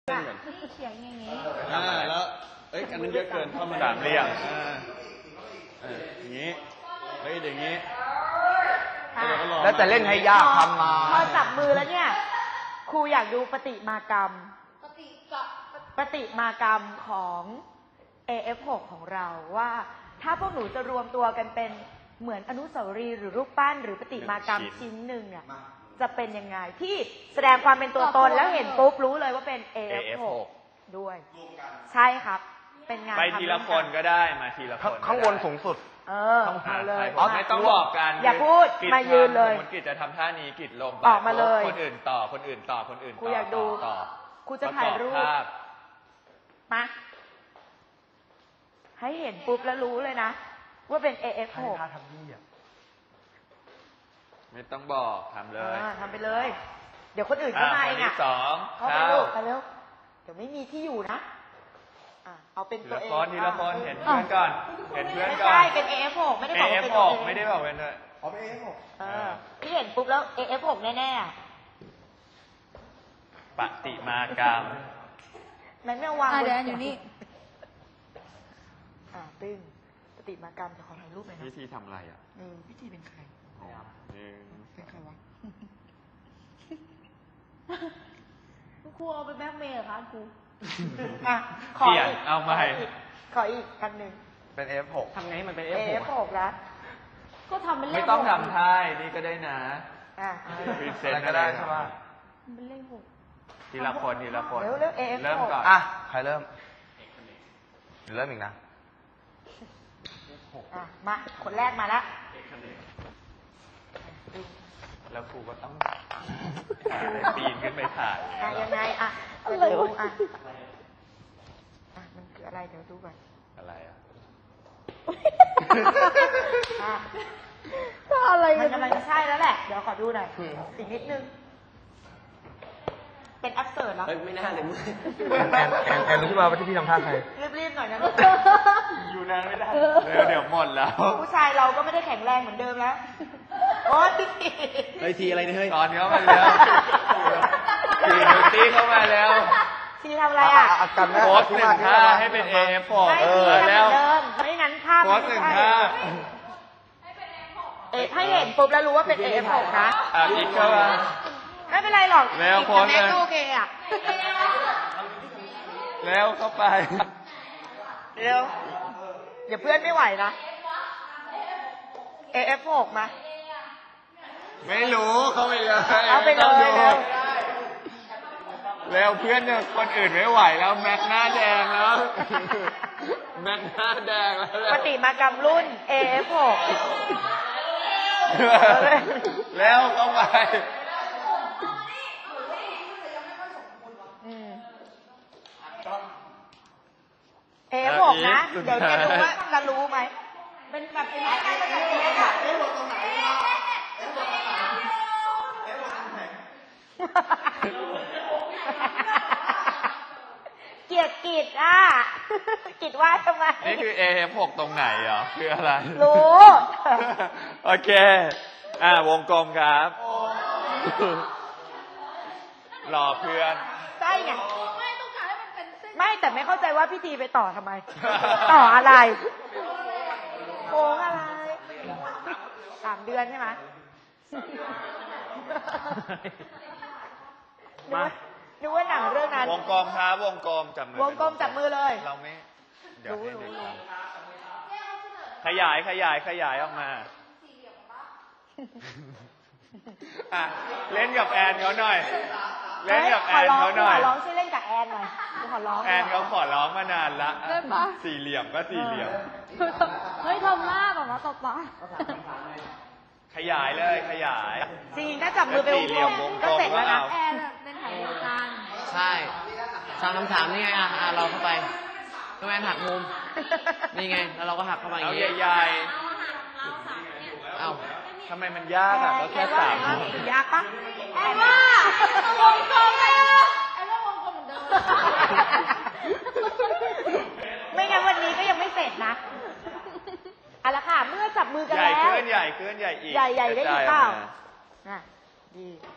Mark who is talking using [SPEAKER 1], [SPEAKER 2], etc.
[SPEAKER 1] เขียนอย่างนี้
[SPEAKER 2] แล้วอันนั้นเยอะเกินเข้ามาสามเหลี่ยมอย่างนี้อย่างนี้
[SPEAKER 3] แล้วจะเล่นให้ยากทำมา
[SPEAKER 1] พอจับมือแล้วเนี่ยครูอยากดูปฏิมากรรมของ AF6 ของเราว่าถ้าพวกหนูจะรวมตัวกันเป็นเหมือนอนุสาวรีย์หรือรูปปั้นหรือปฏิมากรรมชิ้นหนึ่งเนี่ยจะเป็นยังไงที่แสดงความเป็นตัวตนแล้วเห็นปุ๊บรู้เลยว่าเป็น AF6 ด้วยใช่ครับเป็นงาน
[SPEAKER 2] ไปทีละคนก็ได้มาทีละคน
[SPEAKER 3] ข้างบนสูงสุด
[SPEAKER 1] มาเลย
[SPEAKER 2] ไม่ต้องบอกกัน
[SPEAKER 1] อย่าพูดมายืนเลย
[SPEAKER 2] กิจจะทำท่านี้กิจลง
[SPEAKER 1] ออกมาเลย
[SPEAKER 2] คนอื่นต่อคนอื่นต่อคนอื่น
[SPEAKER 1] ครูอยากดูครูจะถ่ายรูปมาให้เห็นปุ๊บแล้วรู้เลยนะว่าเป็น AF6
[SPEAKER 3] ท่าทำนี่อ่ะ
[SPEAKER 2] ไม่ต้องบอกทำเลย
[SPEAKER 1] ทำไปเลยเดี๋ยวคนอื่นเข้ามาเองอ่ะเข้าไปลูกไปเร็วเดี๋ยวไม่มีที่อยู่นะเอาเป็นตัวเอง
[SPEAKER 2] ทีละคนเห็นเพื่อนก่อนเห็นเพื่อนก่อน
[SPEAKER 1] ไม่ใช่เป็น AF6 ไม่ได้บอกเป็น
[SPEAKER 2] AF6 ไม่ได้บอกเป็นด้วย
[SPEAKER 3] เป็น AF6
[SPEAKER 1] ที่เห็นปุ๊บแล้ว AF6 แน่
[SPEAKER 2] ๆปฏิมากรรม
[SPEAKER 1] แม่ไม่วาง
[SPEAKER 4] เดี๋ยวอยู่นี่
[SPEAKER 1] ตึ้งปฏิมากรรมจะขอถ่ายรูปหน่อยนะ
[SPEAKER 2] วิธีทำอะไร
[SPEAKER 1] วิธีเป็นใครเป็นใครวะครูเอาไปแบ็คเมย์เหรอคะครู
[SPEAKER 2] ขออีกเอาใหม่
[SPEAKER 1] ขออีกอันหนึ่ง
[SPEAKER 3] เป็น F6
[SPEAKER 1] ทำไงมันเป็น F6 แล้วก็ทำเป็นเลข
[SPEAKER 2] ไม่ต้องทำท่านี่ก็ได้นะ
[SPEAKER 3] พิเศษก็ได้ใช่ไหม
[SPEAKER 1] เป็นเลข6
[SPEAKER 2] ทีละคนทีละคน
[SPEAKER 1] เริ่
[SPEAKER 2] มก่อน
[SPEAKER 3] ใครเริ่มเริ่มอีกนะ
[SPEAKER 1] มาคนแรกมาแล้ว
[SPEAKER 2] แล้วครูก็ต้องปีนขึ้นไปถ่าย
[SPEAKER 1] ยังไงจะดูมันคืออะไรเดี๋ยวดูก่อน
[SPEAKER 2] อะไร
[SPEAKER 1] อะไรมันกำลังจะใช่แล้วแหละเดี๋ยวขอดูหน่อยอีกนิดนึงเป็นอัพเสิร์ตแล้ว
[SPEAKER 3] ไม่น่าเลยแอนรู้ขึ้นมาว่าที่พี่ทำท่าใคร
[SPEAKER 1] รีบๆหน่อยนะ
[SPEAKER 2] อยู่นานไม่ได้เดี๋ยวหมดแล้ว
[SPEAKER 1] ผู้ชายเราก็ไม่ได้แข็งแรงเหมือนเดิมแล้วโอ๊ย
[SPEAKER 3] ทีอะไรเนี่ย
[SPEAKER 2] ตอนเข้ามาแล้วทีนุตี้เข้ามาแล้ว
[SPEAKER 1] ทีทำอะไร
[SPEAKER 2] โพสหนึ่งท่าให้เป็น AF6
[SPEAKER 1] แล้วไม่งั้นภาพ
[SPEAKER 2] โพสหนึ่งท่า
[SPEAKER 1] ให้เห็นปุ๊บแล้วรู้ว่าเป็น AF6 นะ
[SPEAKER 2] อีกเข้ามา
[SPEAKER 1] ไม่เป็นไรหรอก
[SPEAKER 2] แล้วโพสเลย
[SPEAKER 1] โอเค
[SPEAKER 2] แล้วเข้าไป
[SPEAKER 1] เร็วเดี๋ยวเพื่อนไม่ไหวนะ AF6 มา
[SPEAKER 2] ไม่รู้เข้าไปเลย
[SPEAKER 1] เอาไปเลย
[SPEAKER 2] แล้วเพื่อนเนี่ยคนอื่นไม่ไหวแล้วแม็กหน้าแดงแล้วแม็กหน้าแดงแล้ว
[SPEAKER 1] ปฏิมากรรมรุ่น AF6
[SPEAKER 2] แล้วเข้าไป
[SPEAKER 1] AF6 นะเดี๋ยวจะดูว่าจะรู้ไหมเป็นแบบเป็นอะไรกันแบบนี้ค่ะเกลียดกิจกิจว่าทำไม
[SPEAKER 2] นี่คือ AF6 ตรงไหนเหรอคืออะไร
[SPEAKER 1] รู้
[SPEAKER 2] โอเควงกลมครับรอเพื่อน
[SPEAKER 1] ใช่ไงไม่แต่ไม่เข้าใจว่าพี่ทีไปต่อทำไมต่ออะไรโค้งอะไร3 เดือนใช่ไหมดูว่าหนังเรื่องนั้น
[SPEAKER 2] วงกลมครับวงกลมจับมือ
[SPEAKER 1] วงกลมจับมือเลย
[SPEAKER 2] เราไม่เดี๋ยวให้เด็กขยายออกมาเล่นกับแอนเขาหน่อยเล่นกับแอนเขาหน่อย
[SPEAKER 1] ขอร้องช่วยเล่นกับแอนหน่อยขอร้อง
[SPEAKER 2] แอนเขาขอร้องมานานละสี่เหลี่ยมก็สี่เหลี่ยม
[SPEAKER 4] เฮ้ยทำหน้าแบบว่าตบปะ
[SPEAKER 2] ขยายเลยขยาย
[SPEAKER 1] จริงถ้าจับมือไปวงกลมก็เสร็จแล้วนะ
[SPEAKER 4] แอนเป็นถ่ายรายการ
[SPEAKER 3] ใช่3 นี่ไงเราเข้าไปก็แอนหักมุมนี่ไงแล้วเราก็หักเข้ามาอย่างนี้
[SPEAKER 2] ใหญ่ๆเอาทำไมมันยากเราแค่3
[SPEAKER 1] ยากปะ
[SPEAKER 4] แอนว่าวงกลมเลยแอนว่าวงกลมเหมือนเดิม
[SPEAKER 1] ไม่งั้นวันนี้ก็ยังไม่เสร็จนะเอาละค่ะเมื่อจับมือกันแล้ว
[SPEAKER 2] ใหญ่ขึ้นอีก
[SPEAKER 1] ใหญ่ได้อีกเปล่าดี